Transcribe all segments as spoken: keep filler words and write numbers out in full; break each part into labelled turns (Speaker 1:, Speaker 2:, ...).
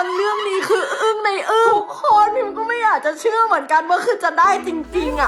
Speaker 1: คนเรื่องนี้คืออึ้งในอึ้งทุกคนพิมก็ไม่อยากจะเชื่อเหมือนกันว่าคือจะได้จริงๆอ่ะ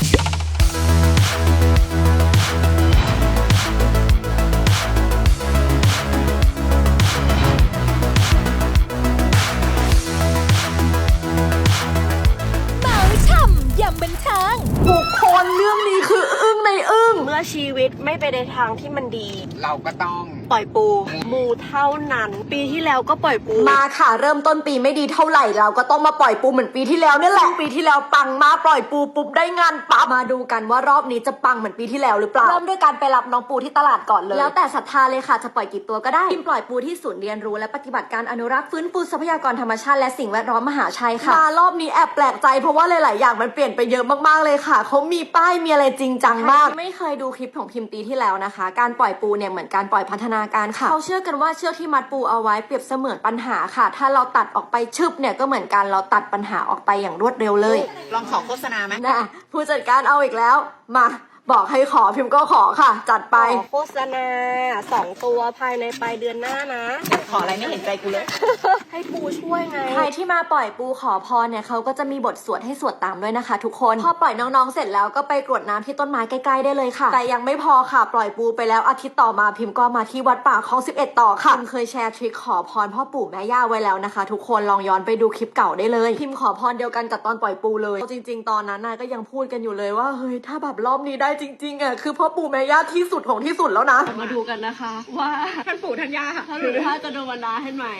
Speaker 2: ยำบันเทิง
Speaker 1: ทุกคนเรื่องนี้คืออึ้งในอึ้ง
Speaker 3: เมื่อชีวิตไม่ไปในทางที่มันดี
Speaker 4: เราก็ต้อง
Speaker 3: ปล่อยปูมูเท่านั้นปีที่แล้วก็ปล่อยปู
Speaker 1: มาค่ะเริ่มต้นปีไม่ดีเท่าไหร่เราก็ต้องมาปล่อยปูเหมือนปีที่แล้วนี่แหละปีที่แล้วปังมาปล่อยปูปุ๊บได้งานปั๊บมาดูกันว่ารอบนี้จะปังเหมือนปีที่แล้วหรือเปล่าเริ่มด้วยการไปรับน้องปูที่ตลาดก่อนเลยแล้วแต่ศรัทธาเลยค่ะจะปล่อยกี่ตัวก็ได้พิมปล่อยปูที่ศูนย์เรียนรู้และปฏิบัติการอนุรักษ์ฟื้นฟูทรัพยากรธรรมชาติและสิ่งแวดล้อมมหาชัยค่ะมารอบนี้แอบแปลกใจเพราะว่าหลายๆอย่างมันเปลี่ยนไปเยอะมากๆเลยค่ะเขามีป้ายมีอะไรจริงจังมากไม่เคยดูคลิปของพิมปีที่แล้วนะคะการปล่อยปูเนี่ยเหมือนการปล่อยพัฒนาการค่ะเขาเชื่อกันว่าเชือกที่มัดปูเอาไว้เปรียบเสมือนปัญหาค่ะถ้าเราตัดออกไปชึบเนี่ยก็เหมือนกันเราตัดปัญหาออกไปอย่างรวดเร็วเลย
Speaker 4: ลองขอโฆษณาไหม
Speaker 1: นะผู้จัดการเอาอีกแล้วมาบอกให้ขอพิมก็ขอค่ะจัดไป
Speaker 3: โฆษณาสองตัวภายในปลายเดือนหน้านะ
Speaker 4: ขออะไรไม่เห็นใจกูเลย
Speaker 3: ให้ปูช่วยไง
Speaker 1: ใครที่มาปล่อยปูขอพรเนี่ยเขาก็จะมีบทสวดให้สวดตามด้วยนะคะทุกคนพอปล่อยน้องๆเสร็จแล้วก็ไปกรวดน้ำที่ต้นไม้ใกล้ๆได้เลยค่ะแต่ยังไม่พอค่ะปล่อยปูไปแล้วอาทิตย์ต่อมาพิมก็มาที่วัดป่าคลองสิบเอ็ดต่อค่ะพิมเคยแชร์ทริคขอพรพ่อปู่แม่ย่าไว้แล้วนะคะทุกคนลองย้อนไปดูคลิปเก่าได้เลยพิมขอพรเดียวกันกับตอนปล่อยปูเลยจริงๆตอนนั้นน่ะก็ยังพูดกันอยู่เลยว่าเฮ้ยถ้าแบบรอบนี้ได้จริงๆอ่ะคือพ่อปู่แม่ย่าที่สุดของที่สุดแล้วนะ
Speaker 3: มาดูกันนะคะว่าท่านปู่ท่านย่าท่านหรือท่านจะโดนบันดาลให้ไหม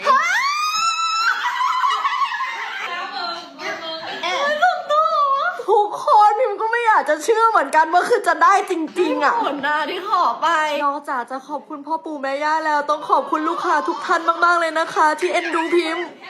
Speaker 1: ทุกคนพิมก็ไม่อยากจะเชื่อเหมือนกันว่าคือจะได้จริงๆอ่ะ
Speaker 3: ผลหน้าที่ขอไป
Speaker 1: นอกจากจะขอบคุณพ่อปู่แม่ย่าแล้วต้องขอบคุณลูกค้าทุกท่านมากๆเลยนะคะที่เอ็นดูพิม